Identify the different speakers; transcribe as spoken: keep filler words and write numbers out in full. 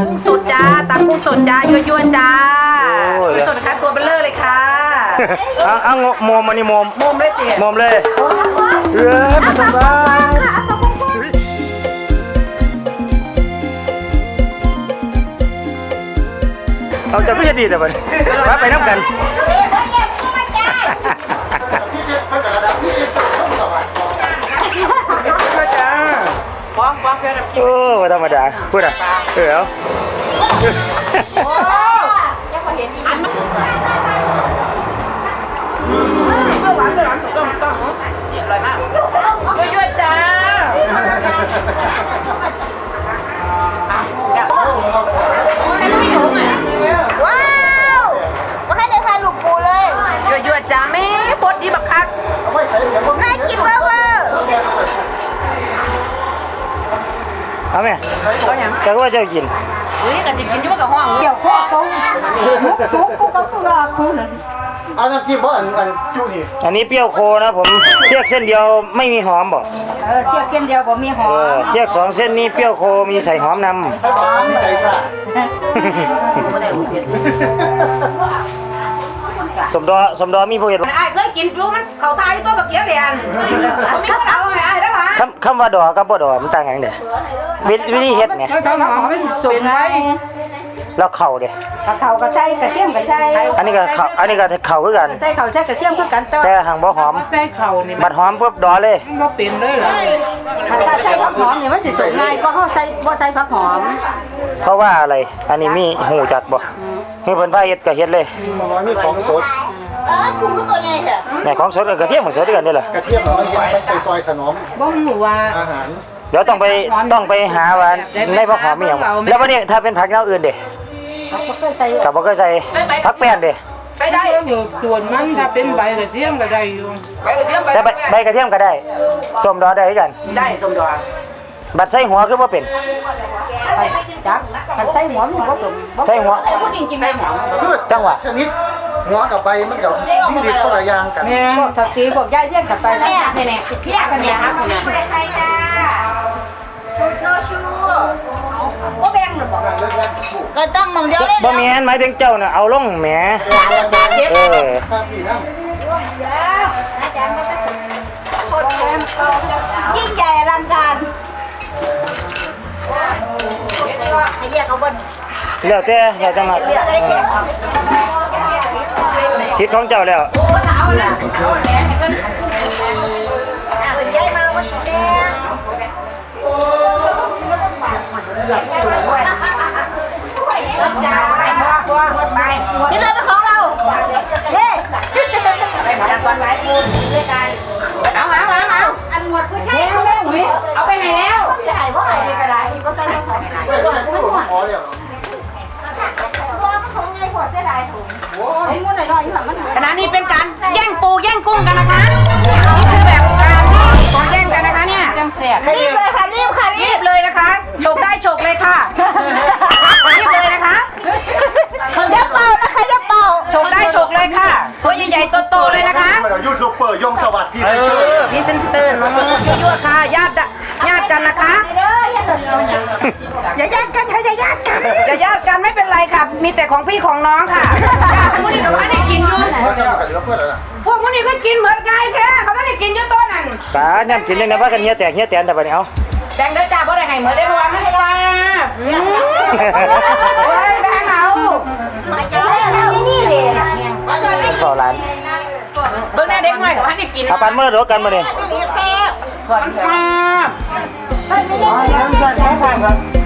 Speaker 1: กุ้งสดจ้าตำกุ้งสดจ้ายั่วๆจ้ากุ้งสดนะคะตัวเบลเลอร์เลยค่ะ
Speaker 2: เอาเอาโมมอันนี้โมม
Speaker 1: โมมเลยเจ๊
Speaker 2: โมมเลยเออมาสบายเอาจะไม่จะดีแต่วันมาไปน้ำกัน
Speaker 1: ฟ้องฟ้องเพื่อน
Speaker 2: โอ้ธรรมดาพูดอ่ะเออเอา
Speaker 1: โอ้ยังพอเห็นอีกอันมันเมื่อวานเมื่อวานต้องต้องเยี่ยมเลยมากยั่วๆจ้า
Speaker 3: ว้าวมาให้ในทานลูกปูเลย
Speaker 1: ยั่วๆจ้าแม่ฟดดีบักคัก
Speaker 3: น่ากินเวอร์เวอร์
Speaker 2: เอาไหมจะว่าจะกิน
Speaker 1: เฮ้ยกันจะกินยุ่งกับห้อง
Speaker 3: เกี่ยวข้อเขากุ๊กกุ๊กกุ๊กกุ๊กกุ๊กกุ๊ก
Speaker 4: เอาน้ำจิ้มเพราะอันอันจุนี่
Speaker 2: อันนี้เปรี้ยวโคนะผมเสียกเส้นเดียวไม่มีหอมบอก
Speaker 3: เออเสียกเส้นเดียวผมมีหอม
Speaker 2: เสียกสองเส้นนี้เปรี้ยวโคมีใส่หอมนำ
Speaker 4: ใจซ่า
Speaker 2: สมดอสมดอมีผู้เห็น
Speaker 1: ไอ้เคยกินจูมันเขาทายตัวบักเกี้ยวเรียนมีคนเอาไอ้ได้ปะ
Speaker 2: คำคำว่าดอกับบ่ดอมันต่างกันเด้วิธีเฮ็ดไง
Speaker 3: เป็นไง
Speaker 2: แล้วเข่าเด้
Speaker 3: กระเข่ากระใช่กระเทียมกระใช่
Speaker 2: อันนี้ก็เข่าอันนี้ก็เข่าคือกัน
Speaker 3: ใส่เข่าใส่กระเทียมคือกัน
Speaker 2: แต่หางบ่หอม
Speaker 5: ใส่เข่านี่
Speaker 2: บัดหอมปุ๊บดอเลย
Speaker 5: บ่เป็นเลยเหรอ
Speaker 3: ถ้าใส่ผักหอมเนี่ยมันสิสุกง่ายก็เขาใส่บ่ใส่ผักหอม
Speaker 2: เพราะว่าอะไรอันนี้มีหูจักบ่ให้เพิ่นพาเฮ็ดก็เฮ็ดเลย
Speaker 4: มีของสด
Speaker 3: อ๋อชุมก็ตัวใหญ่ค่ะ
Speaker 2: แต่ของสดกับกระเทียมมันสดด้วยกันนี่แหละ
Speaker 4: กระเทียมมันไปซอยขนม
Speaker 5: บ่ฮู้ว่า
Speaker 4: อาหาร
Speaker 2: เดี๋ยวต้องไปต้องไปหาว่าในผักหอมมีหยังแล้ววันนี้ถ้าเป็นผักอย่างอื่นเด้กับบ่เคยใส่ผักแป้นเด้
Speaker 1: ไปได้
Speaker 5: อยู่ส่วนมันถ้าเป็นใบกระเทียมก็ได้อยู่
Speaker 1: ใบกระเทียม
Speaker 2: แต่ใบกระเทียมก็ได้ส้มดอได้กัน
Speaker 1: ได้ส้มดอ
Speaker 2: บัดใส่หัวคือบ่เป็น
Speaker 3: จักมันใส่หัวมันบ่สม
Speaker 2: ใส่หัว
Speaker 1: ผู้หญิงกินได้หมอ
Speaker 4: พืช
Speaker 2: จังหวะ
Speaker 4: ชนิดหัวกับใบมันกับมีดีคนละอย่างกัน
Speaker 3: พวกทักษีพวกย่าเยี่ยงกันไป
Speaker 1: แม่แม่แม่พี่ยากันแม่ครับ
Speaker 3: ใครจ้าชุดโนชูก็แบ่งหรือเปล่าก็ต้องมองเดียวเล่น
Speaker 2: บ่แม่นหมายถึงเจ้าน่ะเอาลงแหมเออ
Speaker 3: ยิ่งใหญ่อลังการให้เรียกเขาบน
Speaker 2: แล้วแต่อยากจะมาสิทธิ์ของเจ้าแล้ว
Speaker 3: เป็นใจมาวันนี้แม่นี่เลยเป็นของเราเฮ้ไปมาก่อนไหมคุณด้วยกัน
Speaker 1: เอาเอาเอาเอา
Speaker 3: อันหมดคือใช่
Speaker 1: เอาไปหุยเอาไปไหนแล้ว
Speaker 3: ใช่เพราะอะไรกระไรที่ก็ใส่ต้องใส่ไหน
Speaker 4: ไม่ต้องให้ผู้หลวงขอเลย
Speaker 3: ตัวมันคงไงหัวเสียดายถุงไอ้ม้วนหน่อยๆอยู่หลังมัน
Speaker 1: ขณะนี้เป็นการแย่งปูแย่งกุ้งกันนะคะนี่คือแบบการของแย่งกันนะคะเนี่ยจังเสีย
Speaker 3: รีบเลยค่ะรีบค่ะ
Speaker 1: รีบเลยนะคะโฉกได้โฉกเลยค่ะรีบเลยนะคะ
Speaker 3: อย่าเป่านะคะอย่าเป่า
Speaker 1: โฉกได้โฉกเลยค่ะตัวใหญ่ๆโตๆเลยนะคะ
Speaker 4: ยูทูบเบอร์ยงสวัสดิ์พี่
Speaker 1: เออพี่เซนเตอร์น้องยั่วๆค่ะญาติญาติกันนะคะอย่าญาติกันค่ะอย่าญาติกันอย่าญาติกันไม่เป็นไรค่ะมีแต่ของพี่ของน้องค่ะพวกนี้ก็ว่าได้กินอยู่พวกพวกนี้ก็กินเหมือนไก่แท้เขาต้องได้กินอยู่ตัวนั่น
Speaker 2: ตาเนี่ยกินเลยนะว่ากันเฮียแตกเฮียแตนแต่บัดนี้เอา
Speaker 1: แดงเด้อจ้าเพราะได้ให้เหมือนได้เพราะว่ามันปลาเฮ้ยแบงเอา
Speaker 3: นี่เลย
Speaker 2: ต่อร้าน
Speaker 1: เบิ่งหน้าเด็กหน่อยกับว่าได้กิน
Speaker 2: เอาปันเมื่อรู้กันมาเนี่ย
Speaker 1: แซ่บมันแซ่บ